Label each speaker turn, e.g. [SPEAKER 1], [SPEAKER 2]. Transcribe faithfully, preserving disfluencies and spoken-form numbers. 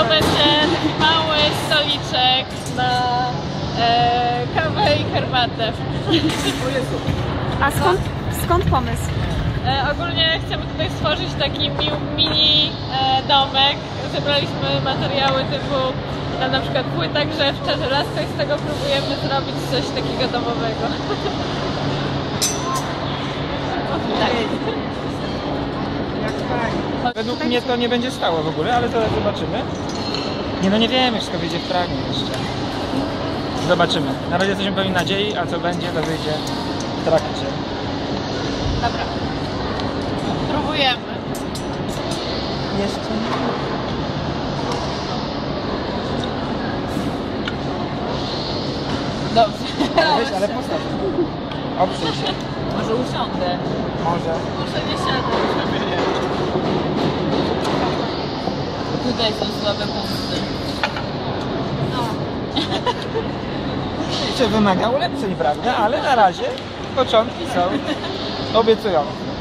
[SPEAKER 1] to będzie taki mały stoliczek na e, kawę i herbatę.
[SPEAKER 2] A skąd, skąd pomysł?
[SPEAKER 1] E, ogólnie chcemy tutaj stworzyć taki mi, mini e, domek. Zebraliśmy materiały typu na, na przykład płyta grzewcza, żelazko i z tego próbujemy zrobić coś takiego domowego. Tak.
[SPEAKER 3] Według mnie to nie będzie stało w ogóle, ale zaraz zobaczymy. Nie no nie wiemy, wszystko wyjdzie w praniu jeszcze. Zobaczymy. Na razie jesteśmy pełni nadziei, a co będzie, to wyjdzie w trakcie.
[SPEAKER 1] Dobra. Próbujemy.
[SPEAKER 3] Jeszcze nie.
[SPEAKER 1] Dobrze.
[SPEAKER 3] Ale weź, ale postaw. Oprzyj się.
[SPEAKER 1] Może usiądę.
[SPEAKER 3] Może.
[SPEAKER 1] Muszę nie siadać. Tutaj są słabe punkty. No.
[SPEAKER 3] Jeszcze wymaga ulepszeń, prawda? Ale na razie początki są obiecujące.